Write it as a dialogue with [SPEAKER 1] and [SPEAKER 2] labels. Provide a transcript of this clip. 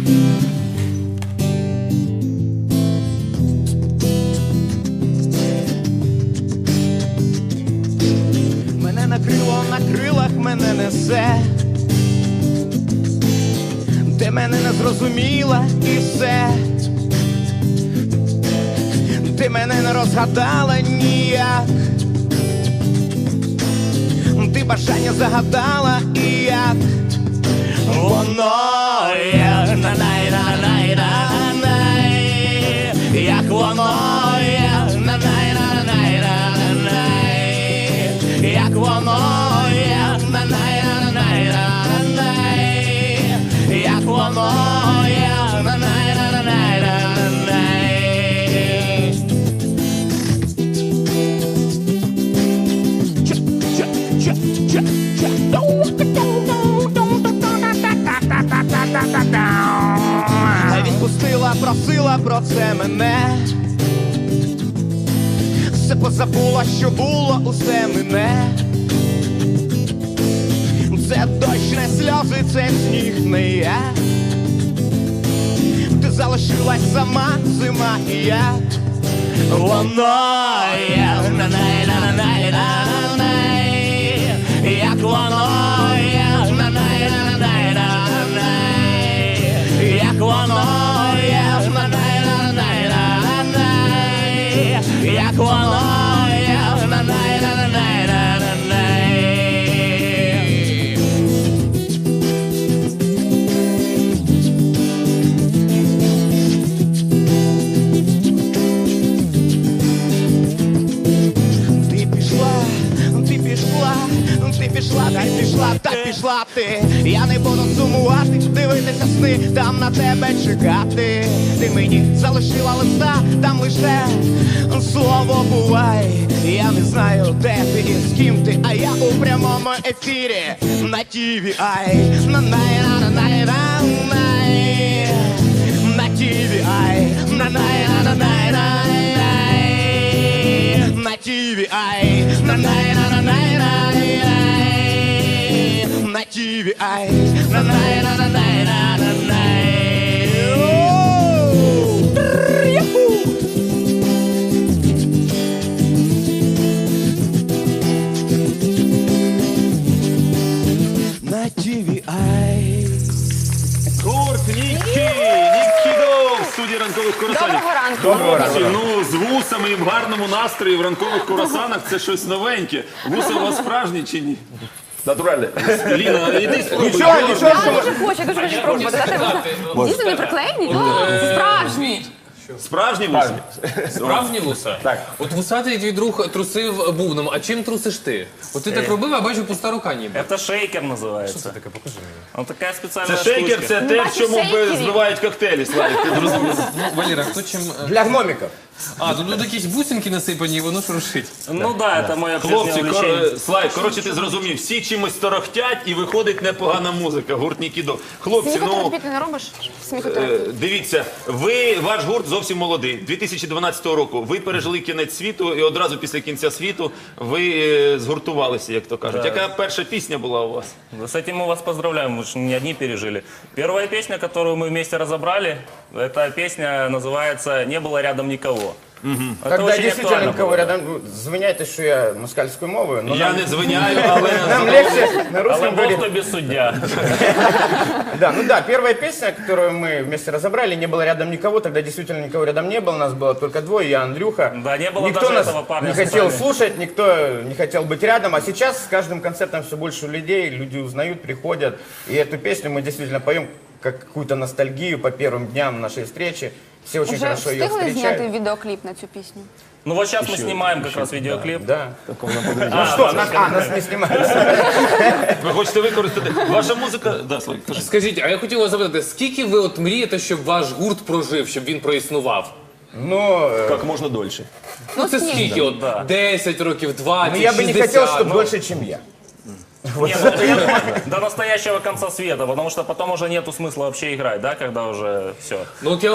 [SPEAKER 1] Мене накрило, на крилах мене несе. Ти мене не зрозуміла і все. Ти мене не розгадала ніяк. Ти бажання загадала і як воно є, на-най-на-най-на-най, як воно є, на-най-на-най-на-най, як воно є, на-най-на-най-на-най, як воно є, на-най-на-най-на-най. Відпустила, просила про це мене. Все позабула, що було, усе мене. Це дощ, не сльози, це сніг, не я. Ти залишилась сама, зима і я. Воно є, на-най-на-най-на-най, як воно є, на-най-на-най-на-най, як воно є, на-най-на-най-на-най, як воно є, на-най-на-най-на-най. Та пішла ти, я не буду сумувати, дивитися сни, там на тебе чекати. Ти мені залишила листа, там лише слово бувай. Я не знаю, де ти і з ким ти, а я у прямому ефірі на TVI. На-най-на-най-на-най, на TVI, на-най-на-най-на-най, на TVI, на-най-на-най-на-най, на TVI, на-най-на-най-на-най. На TVI.
[SPEAKER 2] Гурт Ніккі Дов в студії ранкових курасанів.
[SPEAKER 3] Доброго ранку.
[SPEAKER 2] Доброго ранку. Ну, з вусами і в гарному настрої в ранкових курасанах це щось новеньке. Вуси у вас справжні чи ні?
[SPEAKER 4] Натуральне.
[SPEAKER 2] Ліна, іди спробуй.
[SPEAKER 3] Я дуже хочу пробувати. Дійсно не приклеєні? Справжні.
[SPEAKER 2] Справжні вуси?
[SPEAKER 5] Справжні вуса?
[SPEAKER 4] Так.
[SPEAKER 5] От вусатий твій друг трусив бубном, а чим трусиш ти? От ти так робив, а бачу пуста рука ніби.
[SPEAKER 6] Это шейкер называется.
[SPEAKER 5] Що це таке? Покажи мені.
[SPEAKER 6] Он такая специальная
[SPEAKER 2] Це шейкер,
[SPEAKER 6] штучка.
[SPEAKER 2] це те, в чому
[SPEAKER 3] шейкерів.
[SPEAKER 2] збивають коктейлі, Славік, ти зрозумів?
[SPEAKER 5] Ну, Валера, хто чим...
[SPEAKER 4] Для гномиків.
[SPEAKER 5] А, тут якісь бусинки насипані, і воно шуршить.
[SPEAKER 6] Ну да, это мое прежнее
[SPEAKER 2] Хлопці,
[SPEAKER 6] увлечение.
[SPEAKER 2] Слайк, коротше, ти зрозумів, всі чимось торохтять і виходить непогана музика, гурт Ніккі Дов. Хлопці, ну,
[SPEAKER 3] Сміхотерапію ти не робиш? Сміхотерапію.
[SPEAKER 2] дивіться, ваш гурт зовсім молодий. 2012 року ви пережили кінець світу і одразу після кінця світу ви згуртувалися, як то кажуть. Яка перша пісня була у вас?
[SPEAKER 6] С этим мы вас поздравляем, вы же не одни пережили. Первая песня, которую мы вместе разобрали, эта песня называется «Не было рядом никого». Это
[SPEAKER 4] Когда
[SPEAKER 6] очень
[SPEAKER 4] действительно
[SPEAKER 6] актуально
[SPEAKER 4] никого
[SPEAKER 6] было.
[SPEAKER 4] рядом, звиняйте, що я москальською мовою, но
[SPEAKER 2] Я не звиняю, але...
[SPEAKER 4] нам легче на
[SPEAKER 6] Але
[SPEAKER 4] русском
[SPEAKER 6] Бог
[SPEAKER 4] говорить.
[SPEAKER 6] тобі суддя.
[SPEAKER 4] Да, ну да, первая песня, которую мы вместе разобрали, не было рядом никого, тогда действительно никого рядом не было, нас было только двое, я, Андрюха.
[SPEAKER 6] Да, не было
[SPEAKER 4] Никто
[SPEAKER 6] даже
[SPEAKER 4] нас
[SPEAKER 6] этого парня
[SPEAKER 4] не
[SPEAKER 6] с
[SPEAKER 4] хотел
[SPEAKER 6] усами.
[SPEAKER 4] слушать, никто не хотел быть рядом, а сейчас с каждым концертом все больше людей, люди узнают, приходят, и эту песню мы действительно поем как какую-то ностальгию по первым дням нашей встречи. Все очень
[SPEAKER 3] Вже
[SPEAKER 4] хорошо ее
[SPEAKER 3] встигли зняти
[SPEAKER 4] встречают.
[SPEAKER 3] відеокліп на цю пісню?
[SPEAKER 6] Ну вот сейчас мы снимаем как раз видеоклип.
[SPEAKER 4] Да. Ну что, нас не снимают.
[SPEAKER 2] Ви хочете використати... Ваша музика... Да, Славік, кажи.
[SPEAKER 5] Скажіть, а я хотів вас запитати, скільки ви от мрієте, щоб ваш гурт прожив, щоб він проіснував?
[SPEAKER 4] Ну,
[SPEAKER 2] Як можна дольше.
[SPEAKER 5] Ну це скільки? От 10 років, 20,
[SPEAKER 4] ну, я бы не
[SPEAKER 5] 60?
[SPEAKER 4] хотел, чтобы дольше, чем я.
[SPEAKER 6] Не, ну, я думаю, до настоящего конца света, потому что потом уже нету смысла вообще играть, да, когда уже все.
[SPEAKER 5] Ну от я